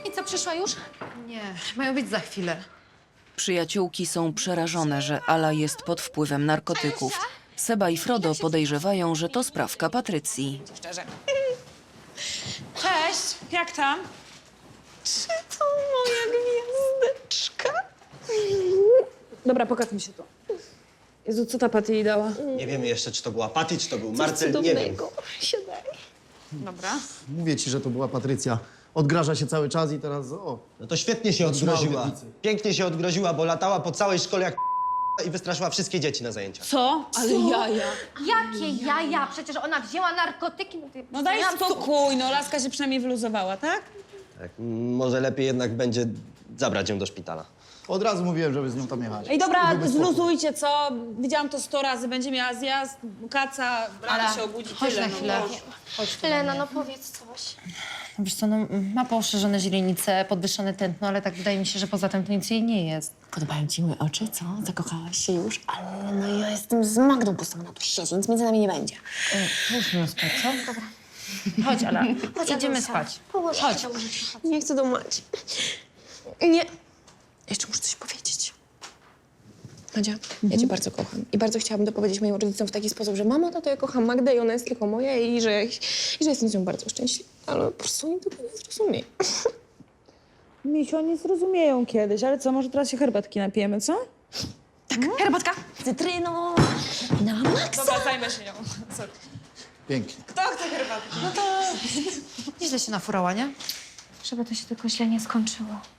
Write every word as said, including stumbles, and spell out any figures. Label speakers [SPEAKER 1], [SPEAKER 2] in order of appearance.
[SPEAKER 1] I co, przyszła już?
[SPEAKER 2] Nie, mają być za chwilę.
[SPEAKER 3] Przyjaciółki są przerażone, że Ala jest pod wpływem narkotyków. Seba i Frodo podejrzewają, że to sprawka Patrycji.
[SPEAKER 1] Szczerze.
[SPEAKER 4] Cześć, jak tam?
[SPEAKER 1] Czy to moja gwiazdeczka?
[SPEAKER 4] Dobra, pokaż mi się to. Jezu, co ta Patty jej dała?
[SPEAKER 5] Nie wiemy jeszcze, czy to była Patty, czy to był Marcel, nie wiem.
[SPEAKER 1] Siadaj.
[SPEAKER 4] Dobra.
[SPEAKER 6] Mówię ci, że to była Patrycja. Odgraża się cały czas i teraz o.
[SPEAKER 5] No to świetnie się
[SPEAKER 6] Otrzymała
[SPEAKER 5] odgroziła.
[SPEAKER 6] obietnicę.
[SPEAKER 5] Pięknie się odgroziła, bo latała po całej szkole jak i wystraszyła wszystkie dzieci na zajęciach.
[SPEAKER 4] Co? Ale jaja.
[SPEAKER 2] Jakie jaja? Przecież ona wzięła narkotyki.
[SPEAKER 4] No daj spokój, no laska się przynajmniej wyluzowała, tak?
[SPEAKER 5] Tak, m, może lepiej jednak będzie zabrać ją do szpitala.
[SPEAKER 6] Od razu mówiłem, żeby z nią tam jechać.
[SPEAKER 4] Ej, dobra,
[SPEAKER 6] Byłby spokój.
[SPEAKER 4] zluzujcie, co? Widziałam to sto razy, będzie miała zjazd, kaca, rano się obudzi,
[SPEAKER 2] chodź
[SPEAKER 4] tyle.
[SPEAKER 2] na
[SPEAKER 4] no,
[SPEAKER 2] chwilę.
[SPEAKER 4] Boże.
[SPEAKER 2] Chodź tu.
[SPEAKER 1] Lena, no powiedz coś.
[SPEAKER 2] Wiesz co, no, ma poszerzone źrenice, podwyższone tętno, ale tak wydaje mi się, że poza tym to nic jej nie jest.
[SPEAKER 7] Podobają ci moje oczy, co? Zakochałaś się już? Ale no ja jestem z Magdą postawiona tu siedzi, nic między nami nie będzie.
[SPEAKER 2] Musimy spać, co? Dobra. Chodź, Ala. Idziemy spać.
[SPEAKER 1] Położę
[SPEAKER 2] Chodź.
[SPEAKER 1] się do łóżeczka.
[SPEAKER 7] Nie chcę do Madzi. Nie. Jeszcze muszę coś powiedzieć. Madzia, ja cię bardzo kocham i bardzo chciałabym to powiedzieć moim rodzicom w taki sposób, że mamo, tato, ja kocham Magdę i ona jest tylko moja i że, i że jestem z nią bardzo szczęśliwa. Ale po prostu oni tego nie zrozumieją.
[SPEAKER 4] Misiu, oni zrozumieją kiedyś, ale co, może teraz się herbatki napijemy, co?
[SPEAKER 7] Herbatka z cytryną na maksa.
[SPEAKER 4] Dobra, zajmę się nią. Sorry.
[SPEAKER 6] Pięknie.
[SPEAKER 4] Kto chce herbatki?
[SPEAKER 2] Nieźle się nafurała, nie?
[SPEAKER 1] Żeby to się tylko źle nie skończyło.